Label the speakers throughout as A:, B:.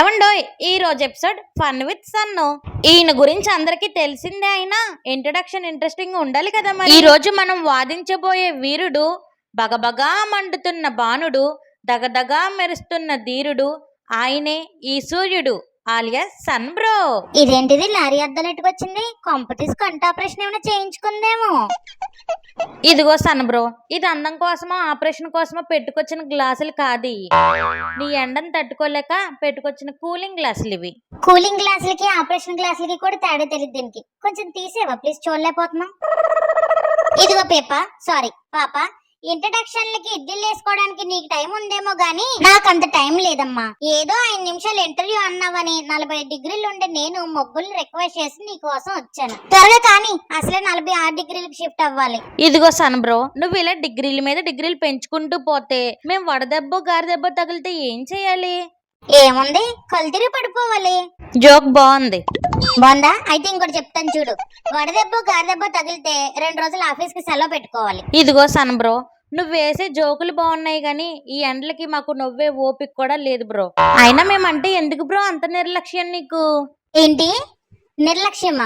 A: ఏవండోయ్ ఈ రోజు episode fun with సన్ను. ఈయన గురించి అందరికి తెలిసిందే, అయినా ఇంట్రడక్షన్ ఇంట్రెస్టింగ్ ఉండాలి కదా. మరి ఈ రోజు మనం వాదించబోయే వీరుడు బగబగా మండుతున్న బాణుడు, దగదగా మెరుస్తున్న ధీరుడు, ఆయనే ఈ సూర్యుడు ఆలియాస్ సన్ బ్రో.
B: ఇదేంటిది లారీ అద్దలు ఎట్టుకొచ్చింది? కాంపిటీస్ కంట ఆపరేషన్ ఏమైనా చేయించుకుందేమో.
A: ఇదిగో సన్ బ్రో, ఇది అందం కోసమో ఆపరేషన్ కోసమో పెట్టుకొచ్చిన గ్లాసులు కాదు. నీ ఎండను తట్టుకోలేక పెట్టుకొచ్చిన కూలింగ్ గ్లాసులు ఇవి.
B: కూలింగ్ గ్లాసులకి ఆపరేషన్ గ్లాసులకి కూడా తేడా తెలియదు దీనికి. కొంచెం తీసేవా ప్లీజ్, చూడలేకపోతున్నాం. ఇదిగో పాప, ఇంట్రడక్షన్లకి ఇడ్లీలు వేసుకోవడానికి నీకు టైం ఉందేమో గానీ నాకంత టైం లేదమ్మా. ఏదో 5 నిమిషాలు ఇంటర్వ్యూ అన్నావని 40 డిగ్రీలు ఉండే నేను మొగ్గుల్ని రిక్వెస్ట్ చేసి నీ కోసం వచ్చాను. త్వరగా కానీ, అసలే 46 డిగ్రీలకు షిఫ్ట్ అవ్వాలి.
A: ఇదిగో సన్ బ్రో, నువ్వు ఇలా డిగ్రీల మీద డిగ్రీలు పెంచుకుంటూ పోతే మేము వడదెబ్బ గారిదెబ్బ తగిలితే ఏం చేయాలి?
B: ఏముంది, కల్తీరి పడిపోవాలి.
A: జోక్ బాగుంది.
B: బాగుందా? అయితే ఇంకోటి చెప్తాను చూడు. వడదెబ్బ గారిదెబ్బ తగిలితే 2 రోజులు ఆఫీస్ కి సెలవు పెట్టుకోవాలి.
A: ఇదిగో సన్ బ్రో, నువ్వు వేసే జోకులు బాగున్నాయి గానీ ఈ ఎండలకి మాకు నవ్వే ఓపిక కూడా లేదు బ్రో. అయినా మేమంటే ఎందుకు బ్రో అంత నిర్లక్ష్యం నీకు?
B: ఏంటి నిర్లక్ష్యమా?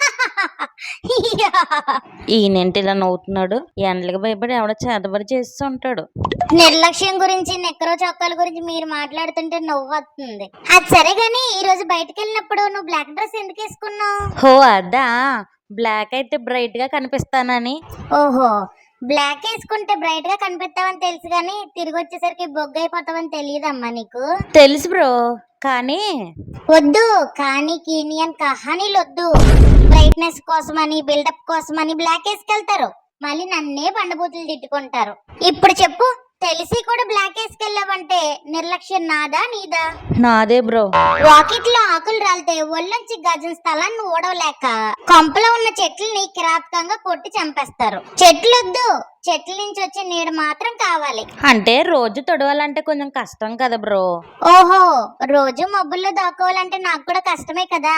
A: ఈయనేంటి ఇలా నవ్వుతున్నాడు? ఎండలకి భయపడి ఎవడో చేతబడి చేస్తూ ఉంటాడు.
B: నిర్లక్ష్యం గురించి, నెక్కరో చొక్కాల గురించి మీరు మాట్లాడుతుంటే నవ్వు వస్తుంది. అది సరే గానీ, ఈ రోజు బయటకు వెళ్ళినప్పుడు నువ్వు బ్లాక్ డ్రెస్ ఎందుకు వేసుకున్నావు?
A: హో అదా, బ్లాక్ అయితే బ్రైట్ గా కనిపిస్తానని.
B: ఓహో, బ్లాక్ వేసుకుంటే బ్రైట్ గా కనిపిస్తావని తెలుసు గానీ తిరిగి వచ్చేసరికి బొగ్గు అయిపోతావని తెలియదమ్మా నీకు.
A: తెలుసు బ్రో, కానీ
B: వద్దు. కానీ కీనియన్ కహానీలు వద్దు. బ్రైట్నెస్ కోసమని, బిల్డప్ కోసమని బ్లాక్ వేసుకెళ్తారు. మళ్ళీ నన్నే బండబూతులు తిట్టుకుంటారు. ఇప్పుడు చెప్పు, తెలిసి కూడా బ్లాక్ వేసుకెళ్ళావంటే నిర్లక్ష్యం నాదా నీదా?
A: నాదే బ్రో.
B: రాకెట్ లో ఆకులు రాలితే ఒళ్ళొంచి గజం స్థలాన్ని ఓడవలేక కొంపలో ఉన్న చెట్లని కిరాతకంగా కొట్టి చంపేస్తారు. చెట్లొద్దు, చెట్ల నుంచి వచ్చే నీడ మాత్రం కావాలి.
A: అంటే రోజు తొడవాలంటే కొంచెం కష్టం కదా బ్రో.
B: ఓహో, రోజు మబ్బుల్లో దాక్కోవాలంటే నాకు కూడా కష్టమే కదా.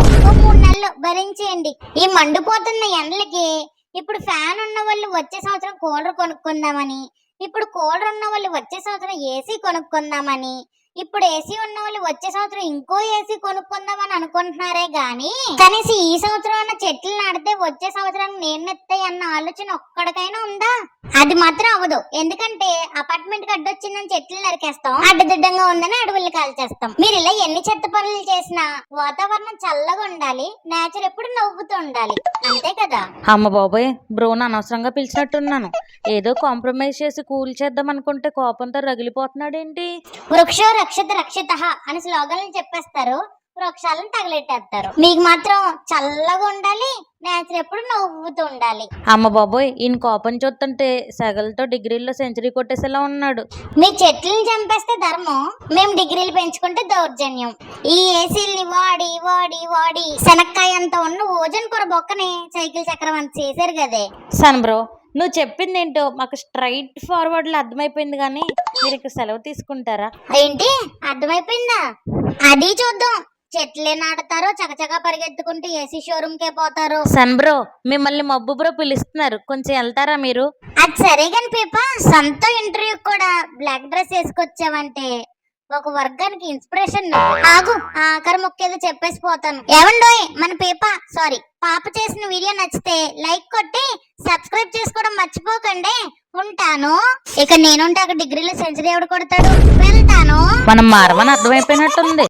B: 3 నెలలు భరించేయండి. ఈ మండిపోతున్న ఎండలకి ఇప్పుడు ఫ్యాన్ ఉన్న వాళ్ళు వచ్చే సంవత్సరం కూలర్ కొనుక్కుందామని, ఇప్పుడు కూలర్ ఉన్న వాళ్ళు వచ్చే సంవత్సరం ఏసీ కొనుక్కుందామని, ఇప్పుడు ఏసీ ఉన్న వాళ్ళు వచ్చే సంవత్సరం ఇంకో ఏసీ కొనుక్కుందామని అనుకుంటున్నారే గాని కనీసం ఈ సంవత్సరం అన్న చెట్లు నాటితే వచ్చే సంవత్సరానికి నేను నెత్తాయి అన్న ఆలోచన ఒక్కడికైనా ఉందా? అది మాత్రం అవ్వదు. ఎందుకంటే అపార్ట్మెంట్ కి అడ్డొచ్చిందని చెట్లు నరికేస్తాం, అడ్డదిడ్డంగా ఉందని అడవులు కాల్చేస్తాం. మీరు ఇలా ఎన్ని చెత్త పనులు చేసినా వాతావరణం చల్లగా ఉండాలి, నేచర్ ఎప్పుడు నవ్వుతూ ఉండాలి, అంతే కదా.
A: అమ్మ బాబోయ్, బ్రోని అనవసరంగా పిలిచినట్టున్నాను. ఏదో కాంప్రమైజ్ చేసి కూల్ చేద్దాం అనుకుంటే కోపంతో రగిలిపోతున్నాడేంటి?
B: వృక్షో రక్షత రక్షితః అని స్లోగన్లు చెప్పేస్తారు, వృక్షాలను తగలెట్టేస్తారు. మీకు మాత్రం చల్లగా ఉండాలి, నేచర్ ఎప్పుడు నవ్వుతూ ఉండాలి.
A: అమ్మ బాబోయ్, ఈయన కోపం చూస్తుంటే సగలతో డిగ్రీల్లో సెంచరీ కొట్టేసేలా ఉన్నాడు.
B: మీ చెట్లను చంపేస్తే ధర్మం, మేము డిగ్రీలు పెంచుకుంటే దౌర్జన్యం. ఈ ఏసీల్ని వాడి వాడి వాడి శనక్కాయ అంత ఉన్న ఓజన్ కొర బొక్కని సైకిల్ చక్రం అంత చేశారు కదే.
A: సన్ బ్రో, నువ్వు చెప్పింది ఏంటో మాకు స్ట్రైట్ ఫార్వర్డ్ లో అర్థమైపోయింది, కానీ మీరు ఇక్కడ సెలవు తీసుకుంటారా?
B: ఏంటి అర్థమైపోయిందా? అది చూద్దాం. చెట్లే నాటుతారో చకచకా పరిగెత్తుకుంటూ ఏసీ షోరూమ్ కే పోతారు.
A: సన్ బ్రో, మిమ్మల్ని మబ్బు బ్రో పిలుస్తున్నారు, కొంచెం వెళ్తారా మీరు?
B: అది సరే కాని పేప, సొంత ఇంటర్వ్యూ కూడా బ్లాక్ డ్రెస్ వేసుకొచ్చావంటే ఒక వర్గానికి ఇన్స్పిరేషన్. ఆగు, ఆఖరి ముక్కేదో చెప్పేసి పోతాను. ఏమండోయ్, మన పాప చేసిన వీడియో నచ్చితే లైక్ కొట్టి సబ్స్క్రైబ్ చేసుకోవడం మర్చిపోకండి. ఉంటాను. ఇక నేనుంటే అక్కడ డిగ్రీలో సెంచరీ ఎవడు కొడతాడు? వెళ్తాను.
A: మనం మారమని అర్థమైపోయినట్టుంది.